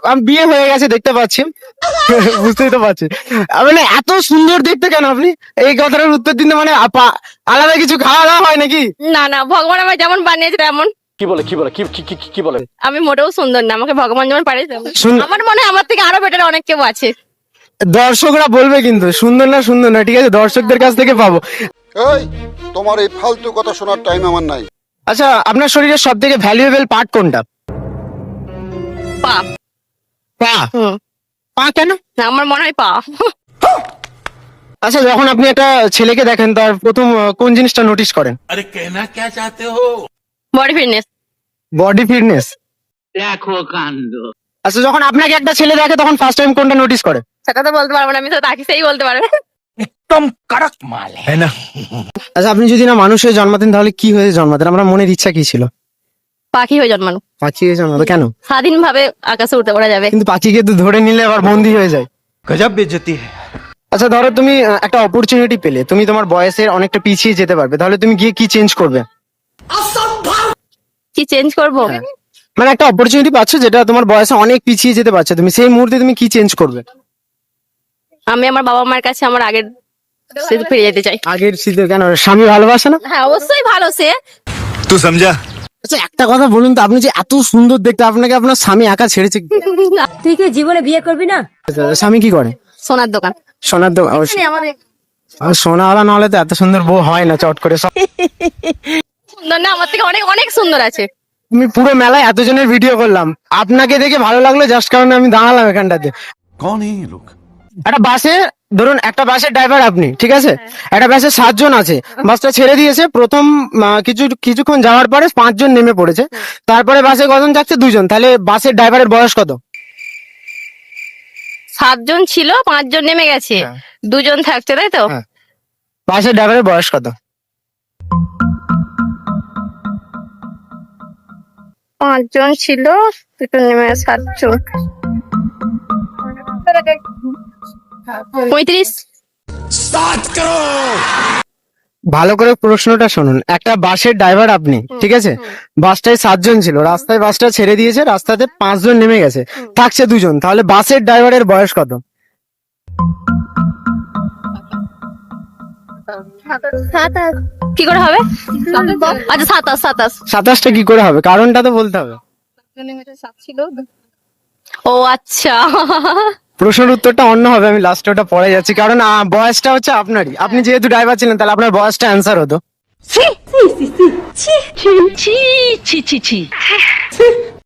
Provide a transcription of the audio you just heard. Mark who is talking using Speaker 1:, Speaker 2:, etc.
Speaker 1: বিয়ে হয়ে গেছে দেখতে পাচ্ছি। বুঝতেই তো পারছি। মানে এত সুন্দর দেখতে কেন আপনি? এই কথাটার উত্তর দিতে মানে আলাদা কিছু খাওয়া দাওয়া হয় নাকি?
Speaker 2: না না, ভগবান আমার যেমন বানিয়েছে তেমন।
Speaker 3: কি বলে?
Speaker 2: আমি মোটেও সুন্দর না, আমাকে ভগবান যেমন পাঠিয়েছে
Speaker 1: সুন্দর।
Speaker 2: আমার মনে হয় আমার থেকে আরো বেটার অনেক কেউ আছে।
Speaker 1: দর্শকরা বলবে কিন্তু সুন্দর না সুন্দর না, ঠিক আছে, দর্শকদের কাছ থেকে পাবো।
Speaker 4: এই তোমার এই ফালতু কথা শোনার টাইম আমার নাই।
Speaker 1: আচ্ছা, আপনার শরীরের সব থেকে ভ্যালুয়েবল পার্ট কোনটা?
Speaker 2: পা।
Speaker 1: পা।
Speaker 2: হুম।
Speaker 1: পা কেন?
Speaker 2: না, আমার মনে হয় পা।
Speaker 1: আচ্ছা, যখন আপনি একটা ছেলেকে দেখেন তার প্রথম কোন জিনিসটা নোটিস করেন?
Speaker 5: अरे कहना क्या चाहते हो?
Speaker 2: Body fitness.
Speaker 1: Body fitness.
Speaker 5: देखो कांड।
Speaker 1: আচ্ছা, যখন আপনাকে একটা ছেলে দেখে তখন ফার্স্ট টাইম কোনটা নোটিস করে?
Speaker 2: সেটা তো বলতে পারবো না, আমি তো তাকে সেই বলতে পারবো।
Speaker 5: एकदम कड़क माल है ना?
Speaker 1: আচ্ছা, আপনি যদি না মানুষ হয়ে জন্মাতেন তাহলে কি হয়ে জন্মাতেন? আপনার মনের ইচ্ছা কি ছিল?
Speaker 2: পাখি হয়ে জন্মানো,
Speaker 1: পাখি হয়ে জন্মাতো কেন?
Speaker 2: স্বাধীন ভাবে আকাশে উঠতে পারা যাবে।
Speaker 1: কিন্তু পাখিকে তো ধরে নিলে আবার বন্দি হয়ে যায়।
Speaker 5: गजब बेइज्जती है।
Speaker 1: আচ্ছা, ধরো তুমি একটা অপরচুনিটি পেলে, তুমি তোমার বয়সের অনেকটা পিছিয়ে যেতে পারবে, তাহলে তুমি গিয়ে কি চেঞ্জ করবে?
Speaker 2: কি চেঞ্জ করবো?
Speaker 1: মানে একটা অপরচুনিটি পাচ্ছ যেটা তোমার বয়সে অনেক পিছিয়ে যেতে পারছো, তুমি সেই মুহূর্তে তুমি কি চেঞ্জ করবে?
Speaker 2: আমি আমার বাবা মার কাছে আমার আগের স্মৃতি ফিরে যেতে চাই।
Speaker 1: আগের শীতে কেন? স্বামী ভালোবাসে না?
Speaker 2: হ্যাঁ, অবশ্যই ভালো সে।
Speaker 5: तू समझा?
Speaker 1: আচ্ছা, একটা কথা বলুন তো, আপনি যে এত সুন্দর দেখতে, আপনাকে আপনার স্বামী একা ছেড়েছে কি?
Speaker 6: তুই কি জীবনে বিয়ে করবি না?
Speaker 1: স্বামী কি করে?
Speaker 2: সোনার দোকান।
Speaker 1: সোনার দোকান।
Speaker 2: আমাদের
Speaker 1: সোনাওয়ালা না হলে তো এত সুন্দর বউ হয় না চট করে।
Speaker 2: সুন্দর না, আমার থেকে অনেক অনেক সুন্দর আছে।
Speaker 1: তুমি পুরো মেলায় এতজনের ভিডিও করলাম, আপনাকে দেখে ভালো লাগলো জাস্ট কারণে আমি দাঁড়ালাম এখানটাতে।
Speaker 5: कौन है ये लोग?
Speaker 1: একটা বাসে, ধরুন একটা বাসের ড্রাইভার আপনি, ঠিক আছে, একটা বাসে 7 জন আছে, বাসটা ছেড়ে দিয়েছে, প্রথম কিছুক্ষণ যাওয়ার পরে 5 জন নেমে পড়েছে, তারপরে বাসে কজন যাচ্ছে? 2 জন, তাহলে বাসের ড্রাইভারের বয়স কত?
Speaker 2: 7 জন ছিল, 5 জন নেমে গেছে,
Speaker 1: হ্যাঁ।
Speaker 2: 2 জন থাকছে, তাই তো?
Speaker 1: হ্যাঁ। বাসের ড্রাইভারের বয়স কত?
Speaker 2: 5 জন ছিল, 2 জন নেমে 7 জন, 35।
Speaker 1: ভালো করে প্রশ্নটা শুনুন। একটা বাসের ড্রাইভার আপনি, ঠিক আছে, বাসটায় 7 জন ছিল, রাস্তায় বাসটা ছেড়ে দিয়েছে, রাস্তাতে 5 জন নেমে গেছে, থাকছে 2 জন, তাহলে বাসের ড্রাইভারের বয়স কত?
Speaker 2: কি করে হবে? আচ্ছা, 27।
Speaker 1: 27টা কি করে হবে? কারণটা তো বলতে হবে।
Speaker 2: ও আচ্ছা।
Speaker 1: প্রশ্নের উত্তরটা অন্য হবে, আমি লাস্টে ওটা পড়ে যাচ্ছি, কারণ বয়সটা হচ্ছে আপনারই, আপনি যেহেতু ড্রাইভার ছিলেন তাহলে আপনার বয়সটা অ্যান্সার হতো।
Speaker 6: ছি ছি ছি ছি ছি ছি ছি ছি ছি